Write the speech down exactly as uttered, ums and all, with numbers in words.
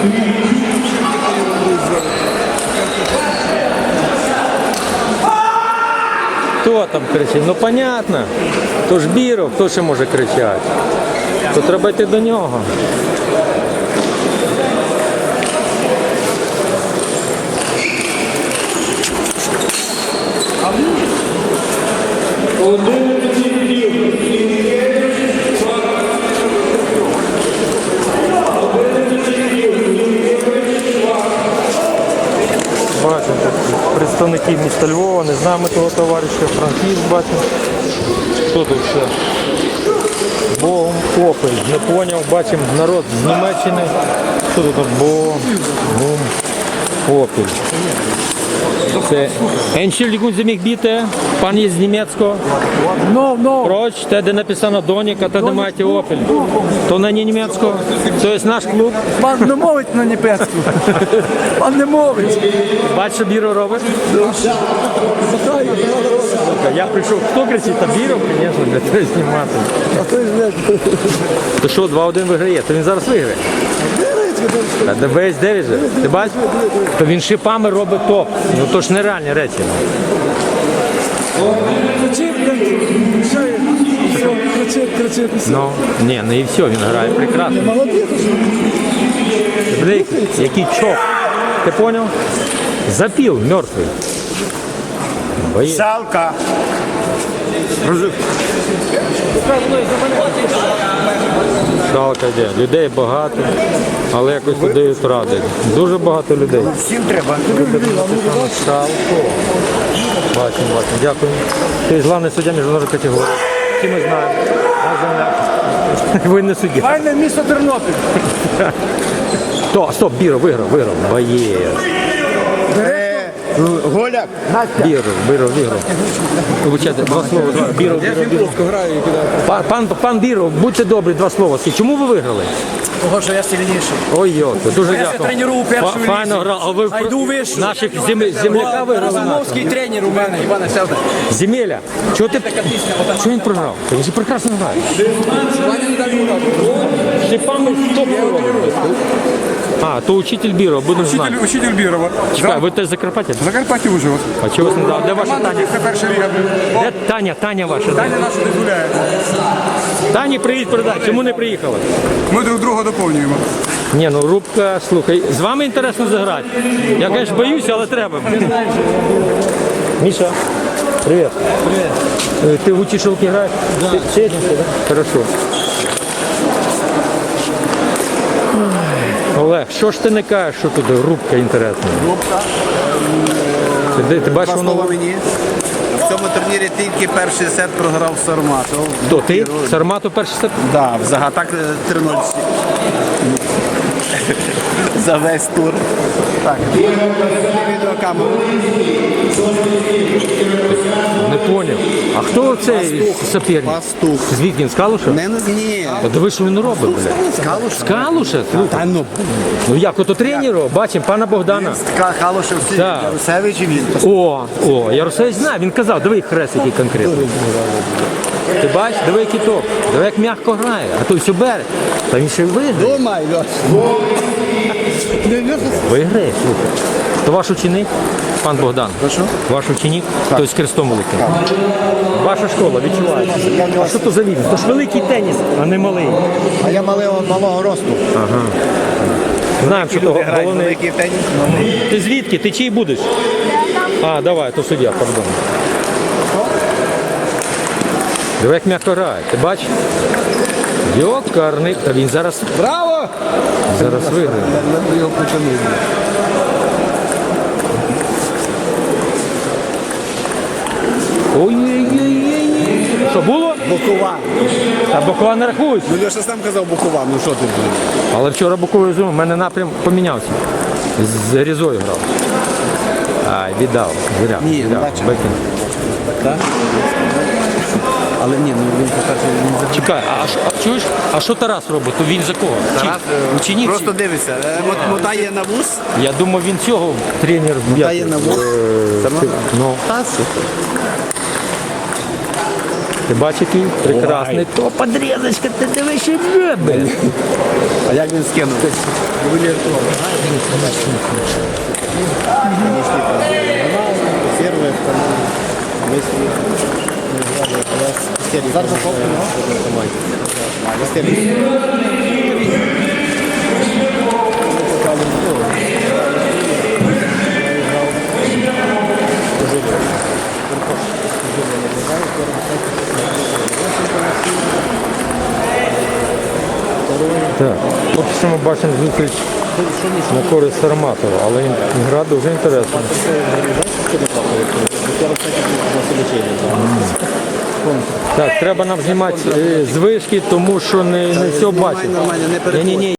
Хто там кричить? Ну понятно. То ж Біров, хто ще може кричати? То треба йти до нього. Бачимо представників міста Львова, не знаємо того товариша, Франківськ бачимо. Хто тут ще? Богом Опель, не поняв, бачимо народ з Німеччини. Хто тут? Богом Опель. Це Entschuldigung, Sie mich bitte, пан є з німецького. No, no. Проч, те, де написано Доніка, те, де маєте Опель. То на не німецького. То є наш клуб. Пан не мовить на німецьку. Пан не мовить. Бачиш, що Біро робить? Я прийшов, хто кричить? Та Біро, звісно, для того знімати. А то ж не. То що, два-один виграє? То він зараз виграє. Та де весь дев'ять же. Ти бачиш? То він шипами робить топ. Ну то ж нереальні речі. Кричить, кричить, кричить. Ну, ні, ну і все, він грає прекрасно. Блик, який чок. Ти поняв? Запів, мертвий. Боєць. Салка. Салка йде. Людей багато, але якось дають ради. Дуже багато людей. Всім треба. Салко. Бачимо, бачимо. Дякую. Ти головний суддя міжнародної категорії. Всі ми знаємо. Ви не суддя. Файне місто Тернопіль. То, стоп, Біро, виграв, виграв. Боєць. Голяк. Біро, Біро, виграв. Вибачайте, два слова. Біро, Біро, Біро. Пан, пан, пан Біро, будьте добрі, два слова. Чому ви виграли? Того, що я сильніший. Ой, йо, дуже Я дякую. це тренував у першій Фа- Файно грав. А ви А йду вище. наших зем... земляка виграли? Розумовський тренер у мене, Івана Селда. Земеля, чого ти... Чого він програв? Він же прекрасно грає. Шипами стоп робить. А, то учитель Біро, будемо знати. Учитель, учитель Бірова. Чекай, ви теж Закарпаття? Закарпаття Ужгород. А чого вас не дав? Де ваша Таня? Це перша ліга. Де Таня? Таня ваша? Таня наша не гуляє. Тані, привіт, передай. Чому не приїхала? Ми друг друга доповнюємо. Ні, ну Рубка, слухай, з вами інтересно заграти. Я, звісно, боюся, але треба. Міша, привіт. Привіт. Ти в утішилки граєш? Да. Ти чесненько, так? Хорошо. Олег, що ж ти не кажеш, що тут Рубка інтересна? Рубка. Ти, ти бачиш, Два воно... слова мені. В цьому турнірі тільки перший сет програв Сарматов. Хто, ти? Сарматов перший сет? Так, взагалі так три нуль. За весь тур. Так, відеокамеру. Не поняв. А хто цей соперник? Пастух. Звідки він, з Калуша? Не, не, ні. Та диви, що він робить, блядь. Калуш. З Калуша? Слухай. Та ну. Ну як, ото тренеру, бачимо, пана Богдана. Калушев, Так. Ярусевич і він. О, о, Ярусевич знає, він казав, диви хрест який конкретно. Ти бачиш, диви який топ, диви як м'яко грає, а той все бере. Та він ще й виграє. Думай, Льош. Виграє, слухай. То ваш ученик, пан Богдан? Прошу? Ваш ученик, той з крестом великим. Ваша школа, відчувається. А що то за він? То ж великий теніс, а не малий. А я малого, малого росту. Знаємо, що то головний. Великий теніс. Ти звідки? Ти чий будеш? А, давай, то суддя, пардон. Диви, як м'яко грає, ти бачиш? Йокарний. Та він зараз... Браво! Зараз виграє. Його потягнув. Ой-ой-ой. Що було? Бокова. Та Бокова не рахується. Ну Льоша сам казав Бокова, ну що ти? Але вчора Боковий зум, в мене напрям помінявся. З Різою грав. Ай, віддав. Зря. Ні, віддав. бачив. Викинув. Так? Але ні, ну він по-перше, він за... Чекай, а, що- а чуєш? А що Тарас робить? То він за кого? Тарас Чи- Ученик? просто дивиться, е, мо- мотає на вуз, Я думав, він цього тренер. мотає на вуз. Е, Сама- Ну, Та, супер. Ти бачиш, який прекрасний. То подрізочка, ти дивись, що любить. А як він скинув? Первое, второе, мысли. Зараз Так, поки що ми бачимо зустріч на користь Сарматова, але гра дуже інтересна. Так, треба нам знімати е, з вишки, тому що не, не все бачимо. Нормально, не переходь. Ні-ні-ні.